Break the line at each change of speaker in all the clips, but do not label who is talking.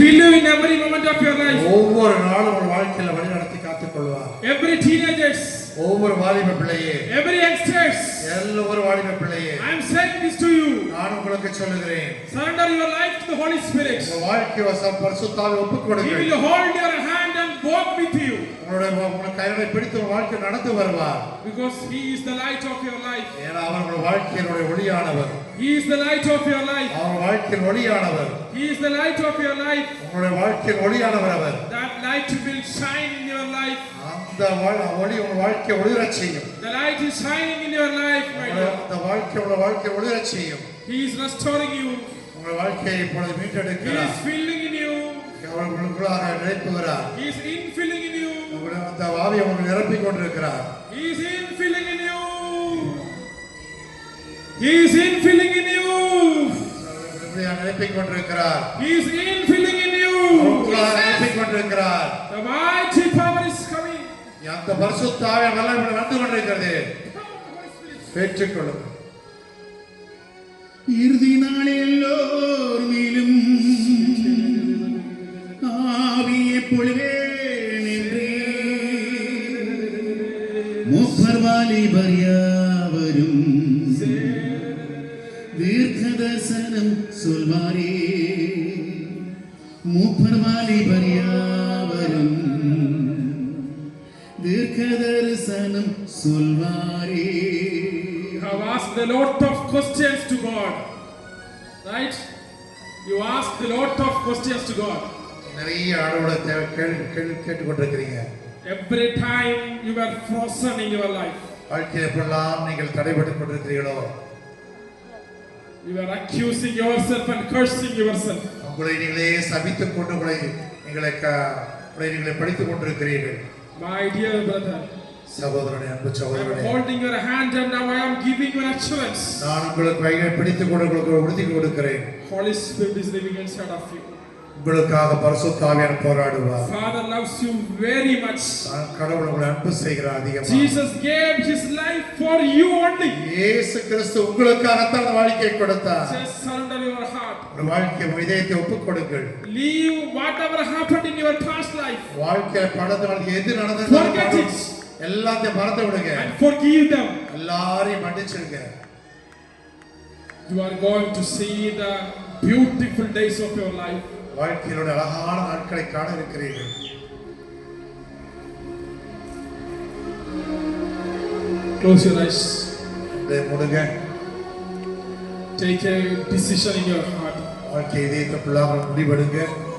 fill you in every moment of your life.
ஒவ்வொரு நாளும் உங்கள் வாழ்க்கையில வழி நடத்தி காத்துக் கொள்வார்.
Every teenagers,
ஒவ்வொரு வாலிப பிள்ளையே,
every youngsters,
ஒவ்வொரு வாலிப பிள்ளையே,
I am saying this to you.
நான் உங்களுக்கு சொல்லுகிறேன்.
Surrender your life to the Holy Spirit.
உங்கள் வாழ்க்கையை பரிசுத்தாவிக்கு ஒப்புக் கொடுங்கள்.
He will hold your hand and walk with you.
உங்கள் கைகளை பிடித்து உங்கள் வாழ்க்கை நடந்து வருவார்.
Because he is the light of your life.
ஏன்னா அவர் உங்கள் வாழ்க்கையினுடைய ஒளியானவர்.
He is the light of your life.
அவர் வாழ்க்கையின் ஒளியானவர்.
He is the light of your life.
உங்களுடைய வாழ்க்கையின் ஒளியானவர் அவர்.
That light will shine in your life.
அந்த ஒளி உங்கள் வாழ்க்கையை ஒளிரச் செய்யும்.
The light is shining in your life, my dear.
அந்த வாழ்க்கையை ஒளிரச் செய்யும்.
He is restoring you.
உங்கள் வாழ்க்கையை இப்பொழுது மீட்டெடுக்கிறார்.
He is filling in you.
Our உங்களுக்குள்ளாக நிரப்புகிறார்.
He is infilling in you.
அந்த ஆவியை உங்களுக்கு நிரப்பிக் கொண்டிருக்கிறார்.
He is infilling in you. He is infilling in you.
நிரப்பிக் கொண்டிருக்கிறார்.
He is infilling in you.
நிரப்பிக் கொண்டிருக்கிறார்.
The mighty power is coming.
அந்த பரிசுத்த ஆவியின் வல்லமை வந்து கொண்டிருக்கிறது. பெற்றுக்கொள்ளுங்கள்.
இறுதி நாளில் எல்லோரும் ஆவியை பொழிவேன் என்றே மூப்பர் வாலிபர் யாவரும் தீர்க்கதரிசனம் சொல்வாரே. மூப்பர் வாலிபர் யாவரும் தீர்க்கதரிசனம் சொல்வாரே.
You have asked a lot of questions to God, right? You asked a lot of questions to God.
நிறைய ஆடோட கேட்டு கொண்டிருக்கிறீங்க.
Every time you were frozen in your life,
வாழ்க்கையில் எப்பெல்லாம் நீங்கள் தடைபட்டு கொண்டிருக்கிறீர்களோ,
you were accusing yourself and cursing yourself.
உங்களை நீங்களே சபித்துக் கொண்டு உங்களை நீங்களே படித்துக் கொண்டிருக்கிறீர்கள்.
My dear brother,
சகோதரனே, அன்பு சகோதரனே,
I am holding your hand and now I am giving you an assurance.
நான் உங்களுக்கு கையை பிடித்துக் கொண்டு உங்களுக்கு உறுதி கொடுக்கிறேன்.
Holy Spirit is living inside of you.
உங்களுக்காக பரிசுத்த ஆவியானவர் போராடுவார்.
Father loves you very much.
கடவுள் உங்களை அன்பு செய்கிறார் அதிகமாக.
Jesus gave his life for you only.
இயேசு கிறிஸ்து உங்களுக்காக தான் வாழ்க்கையை கொடுத்தார்.
Just surrender your heart.
உங்கள் வாழ்க்கை இதயத்தை ஒப்புக் கொடுங்கள்.
Leave whatever happened in your past life.
வாழ்க்கையில படத்துல எது நடந்ததோ
forget it.
எல்லாத்தையும் மறந்து விடுங்க.
And forgive them.
எல்லாரையும் மன்னிச்சிடுங்க.
You are going to see the beautiful days of your life.
வாழ்க்கையோட அழகான நாட்களை காண இருக்கிறீர்கள்.
Close your eyes.
மூடுங்க.
Take a decision in your heart.
வாழ்க்கை இதயத்துக்குள்ளாக முடிவெடுங்க.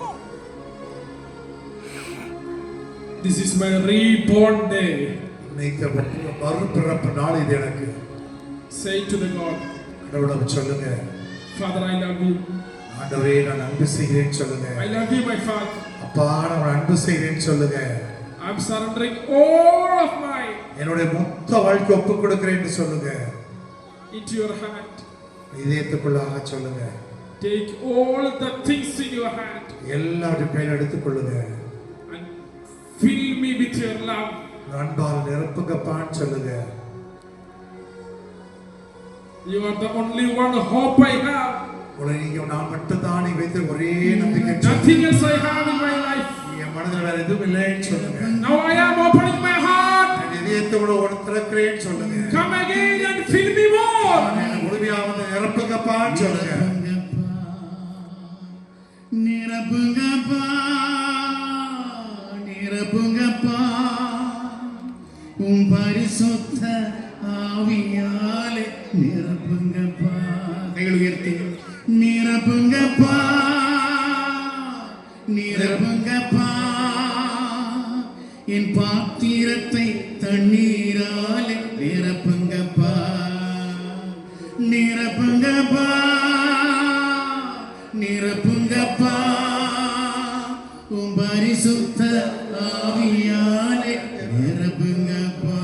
This is my reborn day.
மறுபிறப்பு நாள் இது எனக்கு.
Say to the God.
கடவுளுக்கு சொல்லுங்க.
Father, I love you.
ஆண்டவரே, நான் அன்பு செய்கிறேன் சொல்லுங்க.
I love you, my Father.
அப்பா, நான் அன்பு செய்கிறேன் சொல்லுங்க.
I'm surrendering all of my
என்னுடைய மொத்த வாழ்க்கை ஒப்புக் கொடுக்கிறேன்னு சொல்லுங்க.
into your hand.
இதயத்துக்குள்ளாக சொல்லுங்க.
Take all the things in your hand.
எல்லாவற்றையும் கையில் எடுத்துக் கொள்ளுங்க.
And fill me with your love.
அன்பால் நிரப்புங்கப்பான்னு சொல்லுங்க.
You are the only one hope I have.
நான் மட்டும்தான் வைத்த ஒரே நம்பிக்கை.
Nothing else I have in my life.
என் மனதில் வேற எதுவும் இல்லைன்னு சொல்லுங்க.
Now I am opening my heart.
என் இதயத்தோட ஒரு திறக்கிறேன்னு சொல்லுங்க.
Come again and fill me more.
என்னை முழுமையாக நிரப்புங்கப்பான்னு சொல்லுங்க.
நிரப்புங்கப்பா, நிரப்புங்கப்பா, உம் பரிசுத்த ஆவியாலே நிரப்புங்கப்பா. கைகள் உயர்த்தி நிரப்புங்கப்பா, நிரப்புங்கப்பா, என் பாத்திரத்தை தண்ணீராலே நிரப்புங்கப்பா, நிரப்புங்கப்பா, நிரப்புங்கப்பா, உம் பரிசுத்த ஆவியாலே நிரப்புங்கப்பா.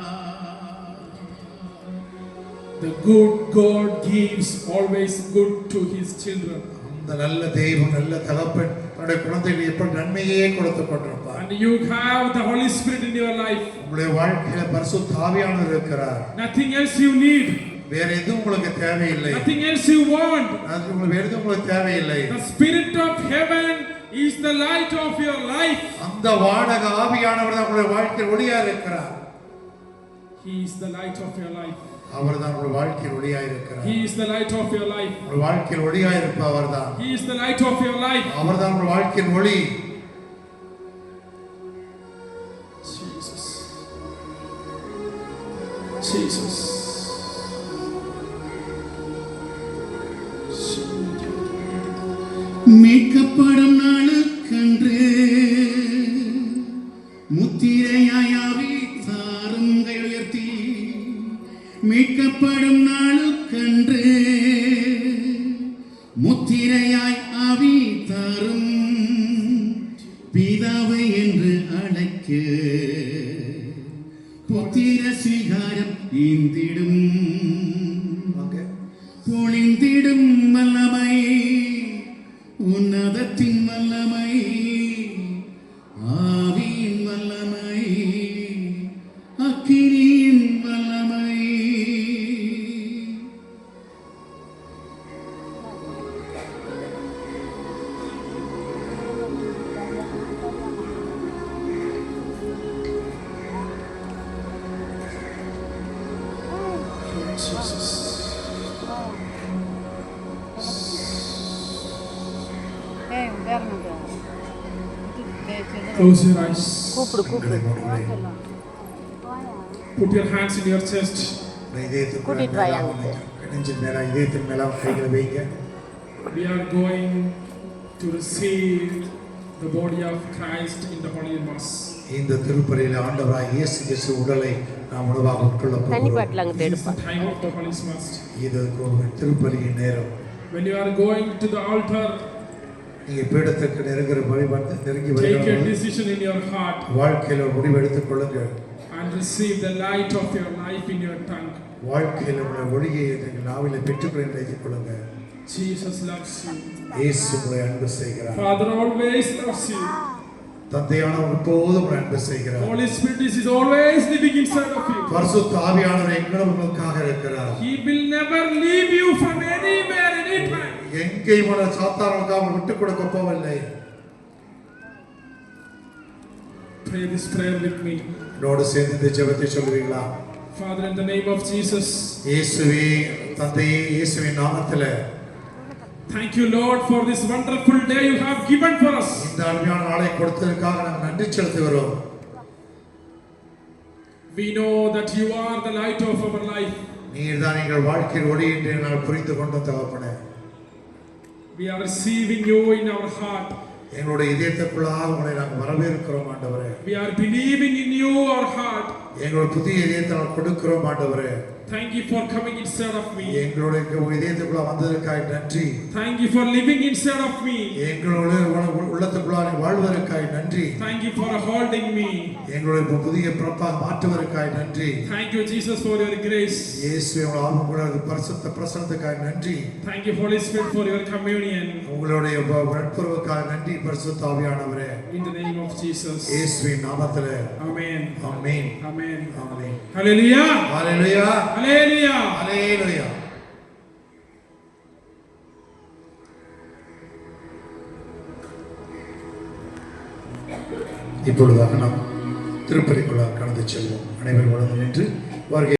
The good God gives always good to his children.
அந்த நல்ல தெய்வம், நல்ல தகப்பன் தன்னுடைய குழந்தைகளுக்கு எப்ப நன்மையே கொடுத்து கொண்டிருப்பார்.
And you have the Holy Spirit in your life.
உங்களுடைய வாழ்க்கையில பரிசுத்த ஆவியானவர் இருக்கிறார்.
Nothing else you need.
வேற எதுவும் உங்களுக்கு தேவையில்லை.
Nothing else you want.
வேற எதுவும் உங்களுக்கு தேவையில்லை.
The Spirit of heaven is the light of your life.
அந்த வானக ஆவியானவர் தான் உங்களுடைய வாழ்க்கையில் ஒளியா இருக்கிறார்.
He is the light of your life.
அவர் தான் உங்களுடைய வாழ்க்கையில் ஒளியா இருக்கிறார்.
He is the light of your life.
உங்களுடைய வாழ்க்கையில் ஒளியா இருப்பவர் தான்.
He is the light of your life.
அவர் தான் உங்களுடைய வாழ்க்கையின் ஒளி.
Jesus. Jesus.
மீட்கப்படும் நாளுக்கன்று முத்திரையாயாவி தாரும் கையுயர்த்தி மீட்கப்படும் நாளுக்கன்று முத்திரையாய் ஆவி தாரும் பிதாவை என்று அழைக்க புத்திர சிகாரம் ஈந்திடும் பொழிந்திடும் வல்லமை உன்னதத்தின் வல்லமை ஆவியின் வல்லமை அக்கினியின் வல்லமை
Jesus. Close your eyes. Put your hands in your chest. We are going to receive the body of Christ in the Holy Mass.
இந்த திருப்பலியில் ஆண்டவராய் இயேசு கிறிஸ்து உடலை நாம் உணவாக உட்கொள்ள போகிறோம்.
This is the time of the Holy Mass.
இது ஒரு திருப்பலியின் நேரம்.
When you are going to the altar,
நீங்க பீடத்துக்கு நெருங்கி
take a
வருகிறீர்கள்.
decision in your heart
வாழ்க்கையில ஒரு முடிவு எடுத்துக் கொள்ளுங்கள்.
and receive the light of your life in your tongue.
வாழ்க்கையில உள்ள ஒளியை நீங்கள் நாவிலே பெற்றுக்கொள்ள நினைத்துக் கொள்ளுங்கள்.
Jesus loves you.
இயேசு உங்களை அன்பு செய்கிறார்.
Father always loves you.
தந்தையானவர் எப்போதும் உங்களை அன்பு செய்கிறார்.
Holy Spirit is always living inside of you.
பரிசுத்த ஆவியானவர் எங்களும் உங்களுக்காக இருக்கிறார்.
He will never leave you from anywhere, anytime.
எங்கேயும் உள்ள சாத்தானுக்காக விட்டுக் கொடுக்க போவதில்லை.
Pray this prayer with me.
என்னோடு சேர்ந்து இந்த ஜெபத்தை சொல்லுவீங்களா?
Father, in the name of Jesus.
இயேசுவே, தந்தையே, இயேசுவின் நாமத்திலே
Thank you, Lord, for this wonderful day you have given for us.
இந்த அருமையான நாளை கொடுத்ததற்காக நாங்கள் நன்றி செலுத்துகிறோம்.
We know that you are the light of our life.
நீர்தான் எங்கள் வாழ்க்கையில் ஒளி என்று நான் புரிந்து கொண்ட தகப்பனே.
We are receiving you in our heart.
எங்களுடைய இதயத்துக்குள்ளாக உங்களை நாங்கள் வரவேற்கிறோம் ஆண்டவரே.
We are believing in you, our heart.
எங்களுடைய புதிய இதயத்தை நாங்கள் கொடுக்கிறோம் ஆண்டவரே.
Thank you for coming inside of me.
எங்களுடைய இதயத்துக்குள்ள வந்ததற்காக நன்றி.
Thank you for living inside of me.
எங்களுடைய உள்ளத்துக்குள்ளாக வாழ்வதற்காக நன்றி.
Thank you for holding me.
எங்களுடைய புதிய பிறப்பாக மாற்றுவதற்காக நன்றி.
Thank you, Jesus, for your grace.
இயேசுவே, உங்கள் ஆவியுடைய பரிசுத்த பிரசன்னத்துக்காக நன்றி.
Thank you, Holy Spirit, for your communion.
உங்களுடைய நட்புறவுக்காக நன்றி பரிசுத்த ஆவியானவரே.
In the name of Jesus.
இயேசுவின் நாமத்திலே
Amen.
ஆமென்.
Amen.
ஆமென்.
Hallelujah.
ஹalleluya.
Hallelujah.
ஹalleluya. இப்பொழுதாக நாம் திருப்பலிக்குள்ளாக கடந்து செல்வோம். அனைவரும் நின்று வருகை